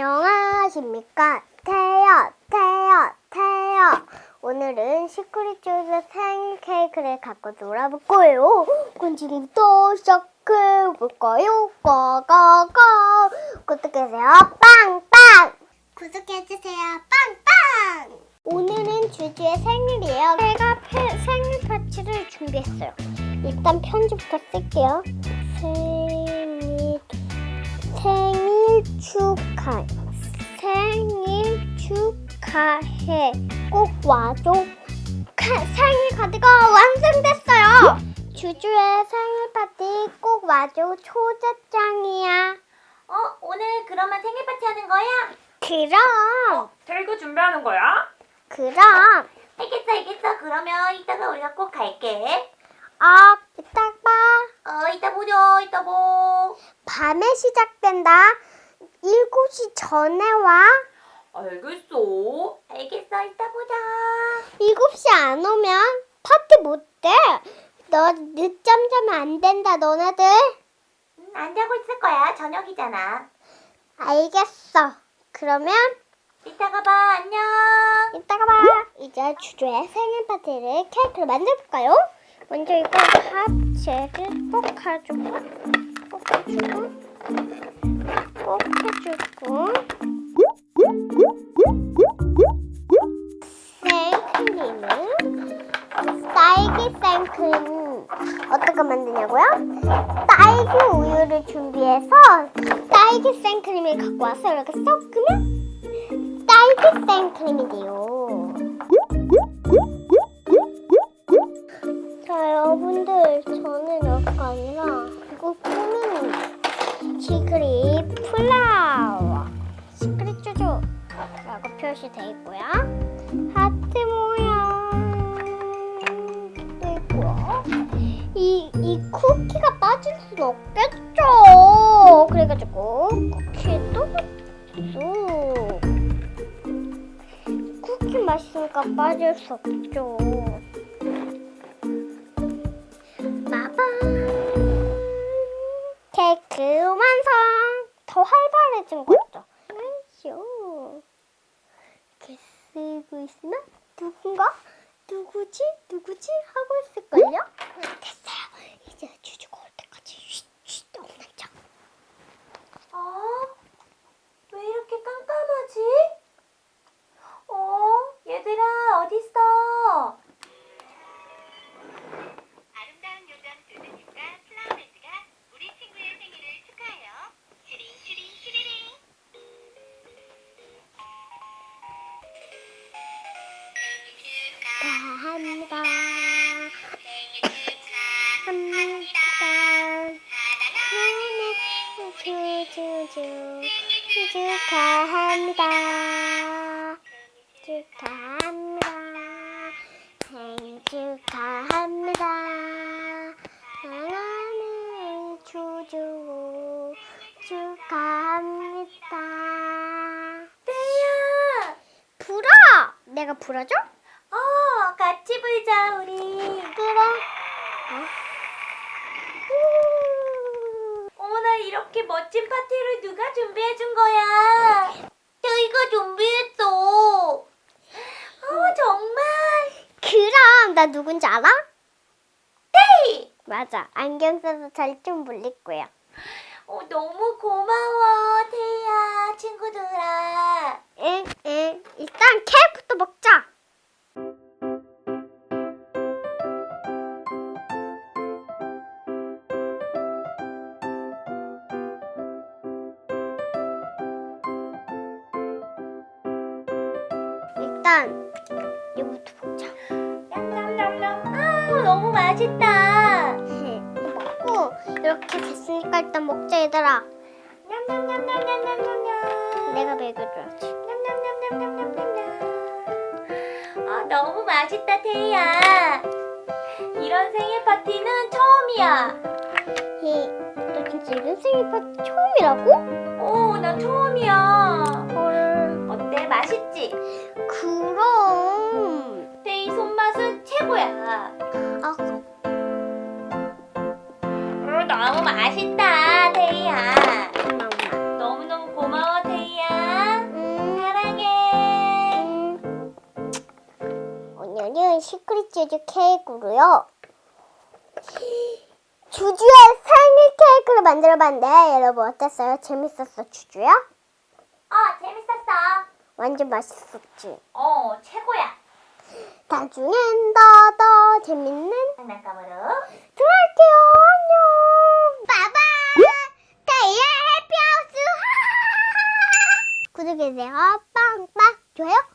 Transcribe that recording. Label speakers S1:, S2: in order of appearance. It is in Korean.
S1: 안녕하십니까. 태요. 오늘은 시크릿 조이의 생일 케이크를 갖고 놀아볼 거예요. 그럼 지금부터 시작해볼까요? 고고고. 구독해주세요. 빵빵. 구독해주세요. 빵빵. 오늘은 주주의 생일이에요. 제가 생일 파티를 준비했어요. 일단 편지부터 쓸게요. 생일 축하해. 꼭 와줘. 생일 카드가 완성됐어요. 주주의 생일 파티 꼭 와줘. 초대장이야.
S2: 오늘 그러면 생일 파티 하는 거야?
S1: 그럼.
S3: 케이크 준비하는 거야?
S1: 그럼.
S2: 알겠어. 그러면 이따가 우리가 꼭 갈게.
S1: 이따 봐.
S2: 이따 보자. 이따 보.
S1: 밤에 시작된다. 7시 전에 와.
S3: 알겠어.
S2: 알겠어. 이따 보자.
S1: 7시 안 오면 파티 못 돼. 너 늦잠 자면 안 된다, 너네들.
S2: 안 자고 있을 거야. 저녁이잖아.
S1: 알겠어. 그러면
S2: 이따가 봐. 안녕.
S1: 이따가 봐. 이제 주주의 생일 파티를 케이크를 만들어볼까요? 먼저 이거 합체를 꼭 해주고 생크림은 딸기 생크림 어떻게 만드냐고요? 딸기 우유를 준비해서 딸기 생크림을 갖고 와서 이렇게 섞으면 딸기 생크림이 돼요. 자, 여러분들, 저는 이렇게 아니라 이거 꾸미는 시크릿 플라워, 시크릿 쭈쭈라고 표시되어 있고요. 하트 모양 있고요. 이 쿠키가 빠질 순 없겠죠. 그래가지고 쿠키도 쏙. 쿠키 맛있으니까 빠질 수 없죠. 케이크 완성! 더 활발해진 거 있죠? 아이쇼. 이렇게 쓰고 있으면 누구지 하고 있을걸요? 됐어요. 이제 주주가 올 때까지 쉿 없는 척.
S2: 왜 이렇게 깜깜하지? 얘들아, 어딨어?
S4: 아름다운 요정 두두님과 플라워랜드가 우리 친구의 생일을 축하해요. 슈링.
S1: 축하합니다. 생일 축하합니다. 사랑하는 주주 축하합니다.
S2: 태야!
S1: 불어! 내가 불어줘?
S2: 같이 불자, 우리.
S1: 그래.
S2: 어머나, 이렇게 멋진 파티를 누가 준비해준 거야? 태이가 준비했어. 정말?
S1: 그럼 나 누군지 알아?
S2: 태이!
S1: 맞아. 안경 써서 잘 좀 몰릴 거야.
S2: 너무 고마워, 태이야, 친구들아.
S1: 응. 일단 케이크부터 먹자. 일단 이거부터 먹자.
S2: 냠냠냠냠. 너무 맛있다.
S1: 먹고 이렇게 됐으니까 일단 먹자, 얘들아.
S2: 냠냠냠냠냠냠냠.
S1: 내가 먹여줘야지.
S2: 냠냠냠냠냠냠냠. 너무 맛있다, 태희야. 이런 생일 파티는 처음이야.
S1: 너 진짜 이런 생일 파티 처음이라고?
S2: 나 처음이야.
S1: 헐.
S2: 어때? 맛있지?
S1: 그럼.
S2: 태희 손맛은 최고야. 너무 맛있다, 태희야.
S1: 고마워.
S2: 너무너무 고마워, 태희야.
S1: 시크릿 치즈 케이크로요. 주주의 생일 케이크를 만들어봤는데 여러분 어땠어요? 재밌었어, 주주야?
S2: 재밌었어.
S1: 완전 맛있었지.
S2: 최고야.
S1: 나중엔 더 재밌는
S2: 장난감으로.
S1: 들어갈게요. 안녕. 바바. 태희의 해피하우스. 구독해주세요. 빵빵. 좋아요.